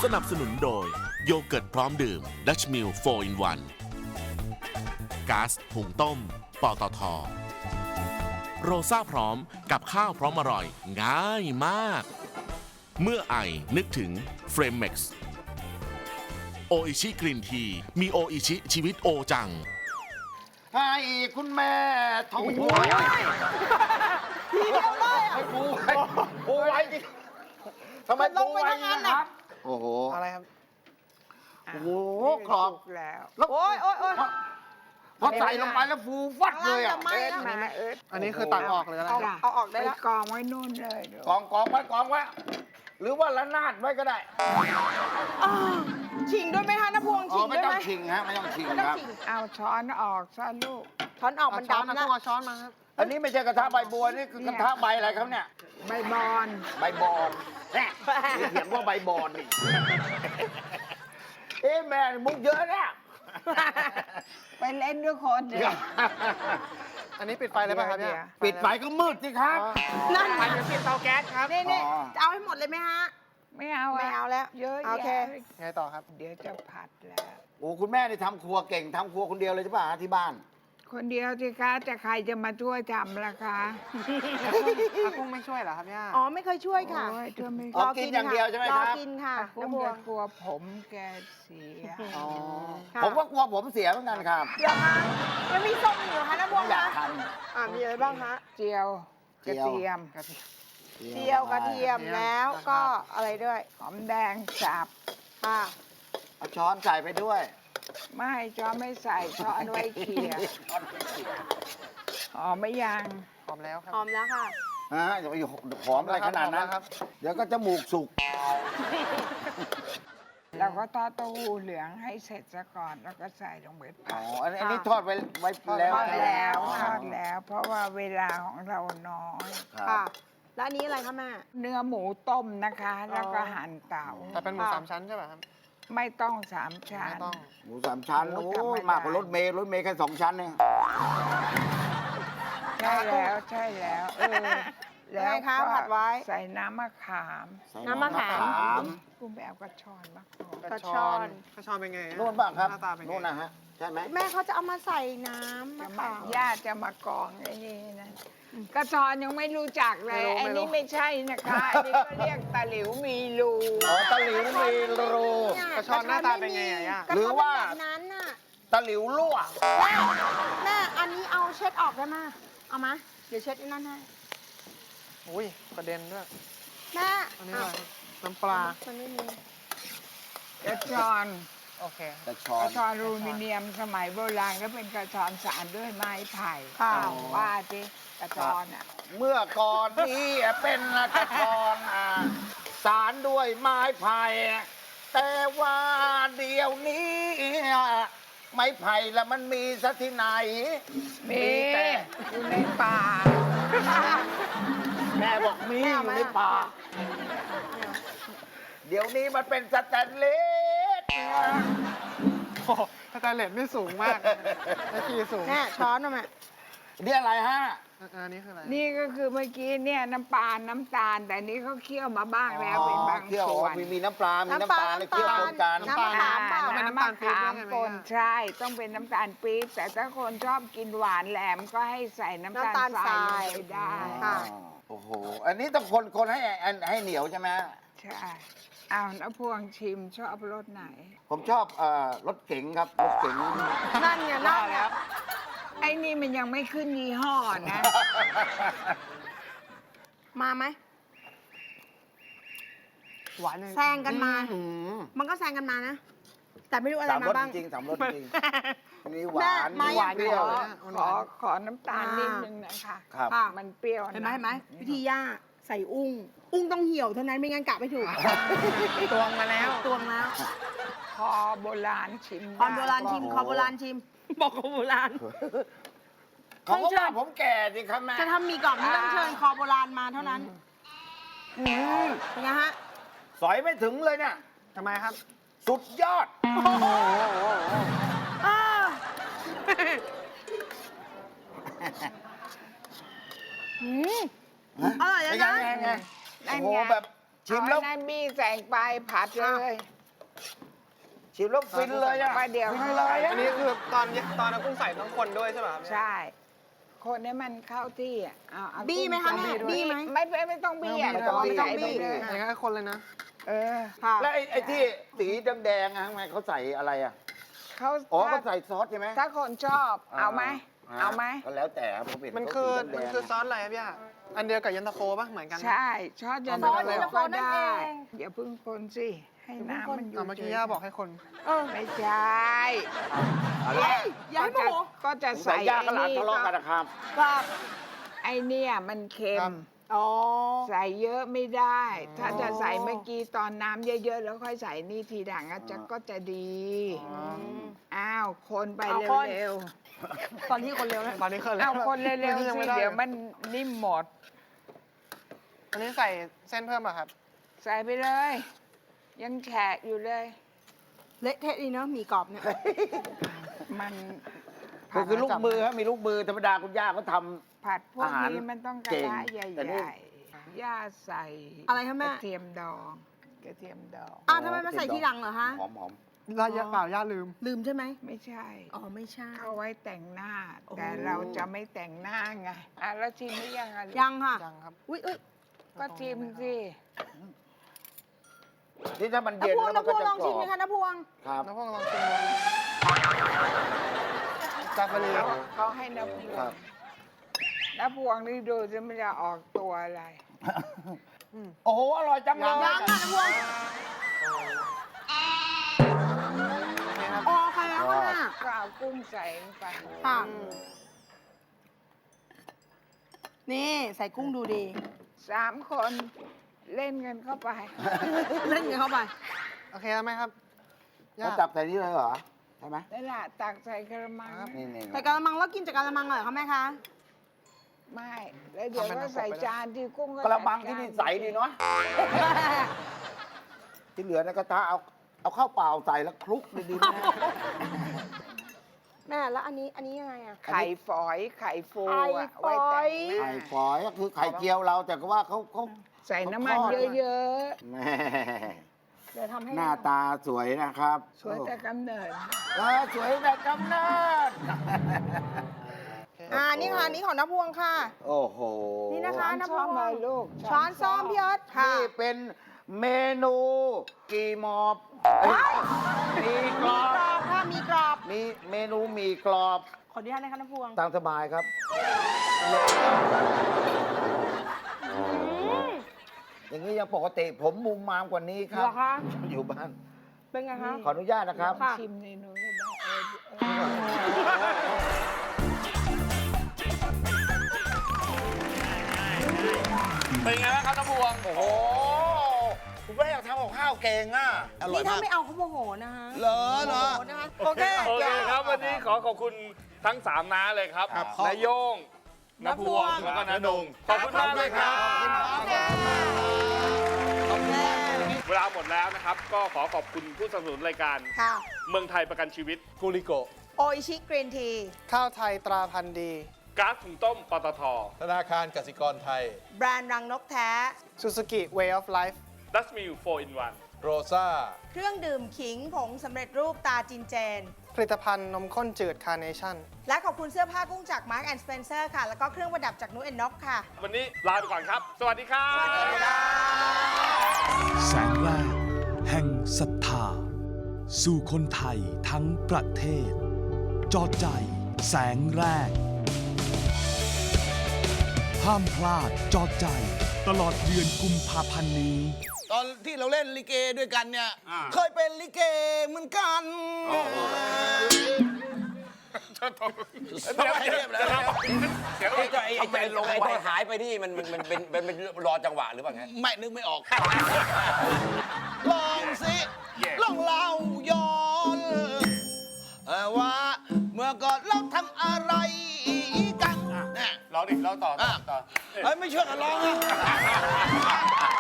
สนับสนุนโดยโยเกิร์ตพร้อมดื่มดัชมิล4 in 1ก๊าซหุงต้มปตท.โรซ่าพร้อมกับข้าวพร้อมอร่อยง่ายมาก เมื่อไอนึกถึงเฟรมเม็กซ์โออิชิกรีนทีมีโออิชิชีวิตโอจังให้คุณแม่ท่องหัวทีเดียวเลยให้ปูไว้ดิทำไมลปูงไปไว้ทั้งนั้นนะน่ะครับ โอ้โหอะไรครับโอ้โหกรอบแล้วแล้วโอ้ยโอ้ยโอ้ยพอใส่ลงไปแล้วฟูฟัดเลยอ่ะจะไหม้เอิร์ธแล้วมาเอิร์ธอันนี้คือตักออกเลยนะเอาจ้ะเอาออกได้ไปแล้วกองไว้นู่นเลยเดี๋ยวกองไว้กองไว้ หรือว่าละนาดไว้ก็ได้อ้าวชิงด้วยไหมคะน้าพวงอ๋ชิอง ไม่ด้วยต้อไหงมชิงฮะไม่ต้องชิงไม่ต้อคงรับชิงเอาช้อนออกซะลูกช้อนออกเอามันช้อนดำนะนะต้องเอาช้อนมาครับอันนี้ไม่ใช่กระทะใบบัวนี่คือกระทะใบอะไรครับเนี่ยใบบอนใบบอนแน่เขียนว่าใบบอนนี่เอ๊ะแม่มุกเยอะเนี่ยไปเล่นด้วยคนเดียวอันนี้ปิดไฟเลยป่ะครับเนี่ยปิดไฟก็มืดสิครับนั่นไฟจะปิดเตาแก๊สครับนี่นี่อ๋อจะเอาให้หมดเลยไหมฮะไม่เอาะไม่เอาแล้วเยอะโอเคแยะไงต่อครับเดี๋ยวจะผัดแล้วโอ้คุณแม่นี่ทำครัวเก่งทำครัวคนเดียวเลยใช่ป่ะฮะที่บ้านคนเดียวสิคะจะใครจะมาช่วยทำล่ะคะอากุ้งไม่ช่วยเหรอครับย่าอ๋อไม่เคยช่วยค่ะโอ้ยช่วยไม่อ๋อกินอย่างเดียวใช่ไหมครับรอกินค่ะคน้าง พวจะงกลัวผมแกเสียอ๋อค่ะผมก็กลัวผมเสียเหมือนกันครับเดี๋ยวคะยังมีส้มอยู่เหรอคะน้าพวงอยากคะทมีอะไรบ้างคะเจียวกระเทียมำเจียวกระเทียมแล้วก็อะไรด้วยหอมแดงสับค่ะเอาช้อนใส่ไปด้วยไม่ช้อนไม่ใส่ช้อนไว้เขี่ยหอมไม่ยังหอมแล้วครับหอมแล้วค่ะฮะอย่าไปหอมอะไรขนาดนั้นหอมแล้วครับเดี๋ยวก็จมูกสุกเราก็ทอดเต้าหู้เหลืองให้เสร็จซะก่อนแล้วก็ใส่ลงไปอ๋ผัอดอันนี้ทอดไว้แล้วทอดแล้วอ๋อทอดแล้ว เพราะว่าเวลาของเราน้อยครับค่ะ แล้วอันนี้อะไรคะแม่เนื้อหมูต้มนะคะ แล้วก็หั่นเต๋าแต่เป็นหมูค่ะสามชั้นใช่ป่ะครับไม่ต้องสามชั้ไม่นต้องหมูสามชั้นหมูโอ้ธรรมยดามากกว่ารถเมล์แค่2 ชั้นเองใช่แล้วใช่แล้วแล้วไงคะผัดไว้ใส่น้ำมะขามใส่น้ำมะขามกุ้งไปเอากระชอนมาก่อนกระชอนกระชอนเป็นไงฮะนู่นบ้างครับหน้าตาเป็นไงนู่นนะฮะใช่ไหมแม่เขาจะเอามาใส่น้ำจะมะมาขามญาติจะมากองไอ้นี่นะกระชอนยังไม่รู้จักเลยไอ้นี่ไม่ใช่นะคะอันนี้ก็เรียกตะหลิวมีรูอ๋อตะหลิวมีรูกระชอนหน้าตาเป็นไงอะย่ากระชนหรือว่าแบบนั้นน่ะตะหลิวรั่วแม่อันนี้เอาเช็ดออกได้ไหมเอามาเดี๋ยวเช็ดนั่นให้อุ้ยกระเด็นด้วยแม่อันนี้อะไรครับน้ำปลามันไม่มีกระชอนโอเคกระชอก นระชอนอลูมิเนียมสมัยโบราณก็เป็นกระชอนสารด้วยไม้ไผ่ค่ะว่าสิกระชอนอ่ะเมื่อก่อนนี้เป็นกระชอนสารด้วยไม้ไผ่แต่ว่าเดี๋ยวนี้ไม้ไผ่ละมันมีสักที่ไหนมีแต่อยู่ในป่าแม่บอกมีอยู่ในป่า เดี๋ยวนี้มันเป็นสแตนเลสโอ้โหสแตนเลสไม่สูงมากไอ้ขีสูงแม่ช้อนมาแม่นี่อะไรฮะอันนี้คืออะไรนี่ก็คือเมื่อกี้เนี่ยน้ำปลาน้ำตาล แต่นี่เขาเคี่ยวมาบ้างแล้วเป็นบางเคี่ยวส่วนมีน้ำปลา มีน้ำตาลและเคี่ยวปนกันน้ำมะขามเปล่าน้ำมะขามป่นใช่ต้องเป็นน้ำตาลปี๊บแต่ถ้าคนชอบกินหวานแหลมก็ให้ใส่น้ำตาลทรายลงไปได้ค่ะโอ้โห อันนี้ต้องคนให้เหนียวใช่ไหมใช่เอาน้าพวงชิมชอบรสไหนผมชอบรถเก๋งครับ รถเก๋งนั่นไงนั่นไงไอ้นี่มันยังไม่ขึ้นยี่ห้อนะมาไหมหวานยังแซงกันมาอืมมันก็แซงกันมานะ แต่ไม่รู้อะไรสามรมาสบ้างจริงๆสามรสจริงๆมีหวานแม่มีมาเปรี้ยวขอน้ำตาลนิดนึงนะคะครับค่ะมันเปรี้ยวเห็นไหมเห็นไหมวิธีย่าใส่อุ้ง อุ้งต้องเหี่ยวเท่านั้นไม่งั้นกะไม่ถูกตวงมาแล้วตวงแล้วคอโบราณชิมคอโบราณชิมโอ้โหคอโบราณชิม บอกคอโบราณเขาก็ว่าผมแก่สิครับแม่จะทำมีกล่องที่ต้องเชิญคอโบราณมาเท่านั้นเป็นไงฮะสอยไม่ถึงเลยเนี่ยทำไมครับสุดยอดอ้าวอร่อยเป็นนะไงโอ้โหแบบชิมเอาแล้วอันนั้นบี้ใส่ไปผัดเลยชิมแล้วฟินเลยอะประเดี๋ยวฟินเลยอะอันนี้คือตอนเอากุ้งใส่ต้องคนด้วยใช่ไหมครับใช่ คนให้มันเข้าที่อ่ะเอาบี้ไหมคะแม่บี้ไหมไม่ต้องบี้อ่ะไม่ต้องบี้ใส่ไปเลยอย่างนั้นก็คนเลยนะเออค่ะแล้วไอ้ที่สีแดงๆอะทำไมเขาใส่อะไรอะเขาอ๋อถ้าเขาใส่ซอสใช่ไหมถ้าคนชอบเอาไหมเอาไหมก็แล้วแต่ครับผมเห็นมันเขาคือสีแดงๆซอสอะไรครับพี่อะอันเดียวกับเย็นตาโฟป่ะเหมือนกันนะใช่ชอบยันซอสเย็นตาโฟก็นั่นได้เองอย่าเพึ่งคนสิให้น้ำมันอยู่เมื่อกี้ย่าบอกให้คนไม่ใช่อะไรอย่าให้โมโหก็จะใส่ใส่ย่ากับหลานทะเลาะกันนะครับครับไอเนี่ยมันเค็ครัมบอ๋อใส่เยอะไม่ได้ ถ้าจะใส่เมื่อกี้ตอนน้ำเยอะๆ แล้วค่อยใส่นี่ทีหลังอะจะก็จะดี อ้าว คนไปเอาคนเร็วตอนที่คนเร็วนะตอนนี้เคยๆเอาคนเร็วๆยัสิงไม่ได้เดี๋ยวมันนิ่มหมดอันนี้ใส่เส้นเพิ่มป่ะครับใส่ไปเลย ยังแฉะอยู่เลยเละเทะดีเนาะหมี่กรอบเนี่ยมันคือลูกมือครับมีลูกมือธรรมดาคุณย่าเขาทผัดพวกอาหารนี้มันต้องกระเก่งทะใหแต่นี่ญ่ๆย่าใส่อะไรคะแม่กระเทียมดองกระเทียมดองอ้าวทำไมมาใส่ทีหลังเหรอฮะำหอมย่าเปล่าย่าลืมลืมใช่ไหมไม่ใช่อ๋อไม่ใช่เข้าไว้แต่งหน้าโอ้แต่เราจะไม่แต่งหน้าไงอ่ะแล้วชิมหรือยังอ่ะยังค่ะยังครับอุ้ยก็ชิมสิๆที่ถ้ามันน้าเย็นพวงแล้วมันน้าพก็วงจะลองกรชิอมไหมบคะน้าพวงครับน้ำพวกลองชิมดูจาฟารีเขาให้น้ำพวครังบน้ำพวงนี่ดูจะไม่จะออกตัวอะไรโอ้โหอร่อยจังเลยยังค่ะน้าพวงอ๋อค่ะแล้วค่ะก็เอากุ้งใส่ลงไปค่ะ นี่ใส่กุ้งดูดี 3 คนเล่นกันเข้าไปเล่นกันเข้าไปโอเคแล้วไหมครับย่าเขาจับใส่นี่เลยเหรอ ใช่ไหมนั่นแหละตักใส่กระมังนี่ใส่กะละมังแล้วกินจากกะละมังเหรอคะแม่คะไม่ แล้วเดี๋ยวก็ใส่จานที่กุ้งก็กระมังที่นี่ใสดีเนาะที่เหลือในกระทะเอาข้าวเปล่าใส่แล้วคลุกดีๆนะแม่แล้วอันนี้ยังไงอะไข่ฝอยไข่ฟูไข่อะฝอยไว้แต่งหน้าไข่ฝอยก็คือไข่เจียวเราแต่ก็ว่าเขาใส่น้ำมันเยอะแม่เดี๋ยวทำให้หน้าตาสวยนะครับๆ สวยแต่กำเนิดสวยแต่กำเนิดนี่ค่ะอันนี้ของน้าพวงค่ะโอ้โหนี่นะคะช้อนเลยลูกช้อนซ้อมพี่เอิร์ธค่ะนี่เป็นเมนูกีมอบมีกรอบกรอบค่ะมีกรอบมีเมนูหมีกรอบขออนุญาตนะคะน้าพวงตามสบายครับ อย่างนี้ยังปกติผมมุมมามกว่านี้ครัเหบรอคะอยู่บ้านเป็นไงคะขออนุญาตนะครับค่ะชิมในนู้นก็ได้เป็นไงบ้างครับน้ำพวงโอ้โห คุณแม่อยากทำกับข้าวเก่งอ่ะนี่ถ้าไม่เอาเขาโมโหนะคะเหรอโมโหนะคะโอเคโอเคครับ วันนี้ขอบคุณทั้ง 3 น้าเลยครับครับนายโยงน้าพวง แล้วก็น้านงขอบคุณมากเลยครับ เวลาหมดแล้วนะครับ ก็ขอขอบคุณผู้สนับสนุนรายการค่ะเมืองไทยประกันชีวิตกูริโกโออิชิกรีนทีข้าวไทยตราพันธุ์ดีก๊าซถุงต้มปตทธนาคารกสิกรไทยแบรนด์รังนกแท้ Suzuki Way of Life ดัชมิล4 in 1 โรซ่าเครื่องดื่มขิงผงสำเร็จรูปตาจินเจนผลิตภัณฑ์นมข้นจืดคาร์เนชั่นและขอบคุณเสื้อผ้ากุ้งจาก Mark and Spencer ค่ะ แล้วก็เครื่องประดับจากนุ้นน็อกค่ะวันนี้ลาไปก่อนครับ สวัสดีครับแสงแรกแห่งศรัทธา สู่คนไทยทั้งประเทศ จอดใจแสงแรก ห้ามพลาดจอดใจตลอดเดือนกุมภาพันธ์นี้ตอนที่เราเล่นลิเกด้วยกันเนี่ย เคยเป็นลิเกเหมือนกันเดี๋ยวเดี๋ยวไอ้ลงไปหายไปที่มันเป็นรอจังหวะหรือเปล่าไงไม่นึกไม่ออก ลองสิลองเล่าย้อนว่าเมื่อก่อนเราทำอะไรกันเนี่ยร้องดิร้องต่อเอ้ยไม่เชื่อกันร้องนะ